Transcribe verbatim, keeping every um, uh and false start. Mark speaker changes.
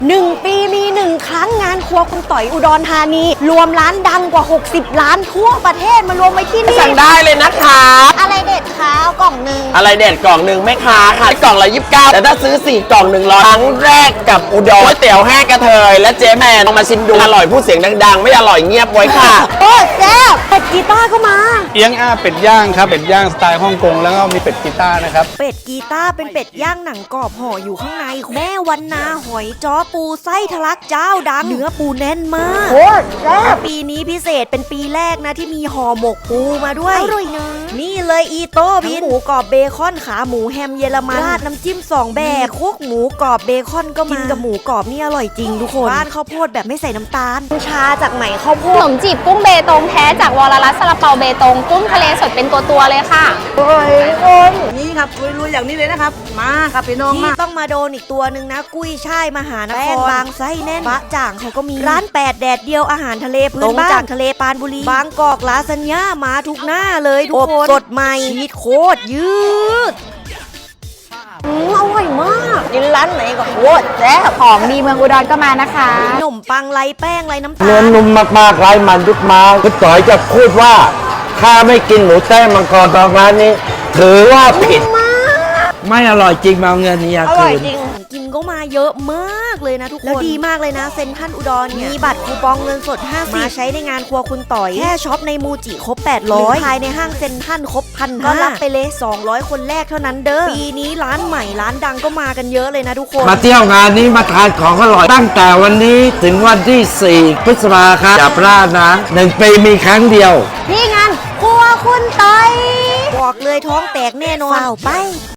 Speaker 1: หนึ่งปีมีหนึ่งครั้งงานครัวคุณต่อยอุดรธานีรวมร้านดังกว่าหกสิบร้านทั่วประเทศมารวมไว้ที่นี่
Speaker 2: สั่งได้เลยนะคะ
Speaker 1: อะไรเด็ดคะเอากล่องหนึ่ง
Speaker 2: อะไรเด็ดกล่องหนึ่งไม่ค้าค่ะกล่องละยี่สิบเก้าแต่ถ้าซื้อสี่กล่องหนึ่งร้อยครั้งแรกกับอุดรก๋วยเตี๋ยวแห้งกระเทยและเจ๊แมนลองมาชิมดูอร่อยพูดเสียงดังๆไม่อร่อยเงียบไว้ค่ะ
Speaker 1: โอ้แซ่บเป็ดกีตาร์ก็มา
Speaker 3: เอียงอ้าเป็ดย่างครับเป็ดย่างสไตล์ฮ่องกงแล้วก็มีเป็ดกีตาร์นะครับ
Speaker 1: เป็ดกีตาร์เป็นเป็ดย่างหนังกรอบห่ออยู่ข้างในแม่วันนาหอยจ้อปูไส้ทะลักเจ้าดังเนื้อปูแน่นมากโคตรแซ่บปีนี้พิเศษเป็นปีแรกนะที่มีห่อหมกปูมาด้วยอร่อยนะนี่เลยอีโต้บินหมูกรอบเบคอนขาหมูแฮมเยอรมันราดน้ำจิ้มสองแบบคุกหมูกรอบเบคอนก็มากินกับหมูกรอบนี่อร่อยจริงทุกคนบ้านข้าวโพดแบบไม่ใส่น้ำตาลชาจากไหนข้าวโพ
Speaker 4: ข
Speaker 1: ด
Speaker 4: นมจีบกุ้งเบตงแท้จากวรรัตน์ซาลาเปาเบตงกุ้งทะเลสดเป็นตัวตัวเลยค่ะ
Speaker 1: อร่อยคน
Speaker 5: นี่ครับลุยๆอย่างนี้เลยนะครับมาครับพี่น้องมา
Speaker 1: ที่ต้องมาโดนอีกตัวหนึ่งนะกุ้ยช่ายมหานครแป้งบางไส้แน่นบะจ่างเขาก็มีร้านแปดแดดเดียวอาหารทะเลพื้นบ้านจากทะเลปานบุรีบางกอกลาซานญ่ามาทุกหน้าเลยทุกคนสดใหม่ชีสโคตรยืดอืมอร่อยมากกินร้านไหนก็โคตรแซ่บ
Speaker 4: ของดีเมืองอุดรก็มานะคะ
Speaker 1: ขนมปังไรแป้งไรน้ำตาล
Speaker 6: เนื้อนุ่มมากๆไร้มันยุบมาคุณต่อยจะพูดว่าถ้าไม่กินหมูแต้มมังกรตองร้านนี้ ถือว่าผิดไม่อร่อยจริงมาเอาเงินนี้
Speaker 1: อ
Speaker 6: คื
Speaker 1: ร่อย
Speaker 6: น
Speaker 1: จริงกินก็มาเยอะมากเลยนะทุกคนแล้วดีมากเลยนะเซ็นทรัลอุดรเนี่ยมีบัตรคูปองเงินสดห้าสิบมาใช้ในงานครัวคุณต่อยแค่ช็อปในมูจิครบแปดร้อยภายในห้างเซ็นทรัลครบพันก็รับไปเลยสองร้อยคนแรกเท่านั้นเด้อปีนี้ร้านใหม่ร้านดังก็มากันเยอะเลยนะทุกคน
Speaker 6: มาเที่ยวงานนี้มาทานของอร่อยตั้งแต่วันนี้ถึงวันที่สี่พฤษภาคมอย่าพลาดนะหนึ่งปีมีครั้งเดียว
Speaker 1: นี่งานครัวคุณต่อยบอกเลยท้องแตกแน่นอนเปล่าไป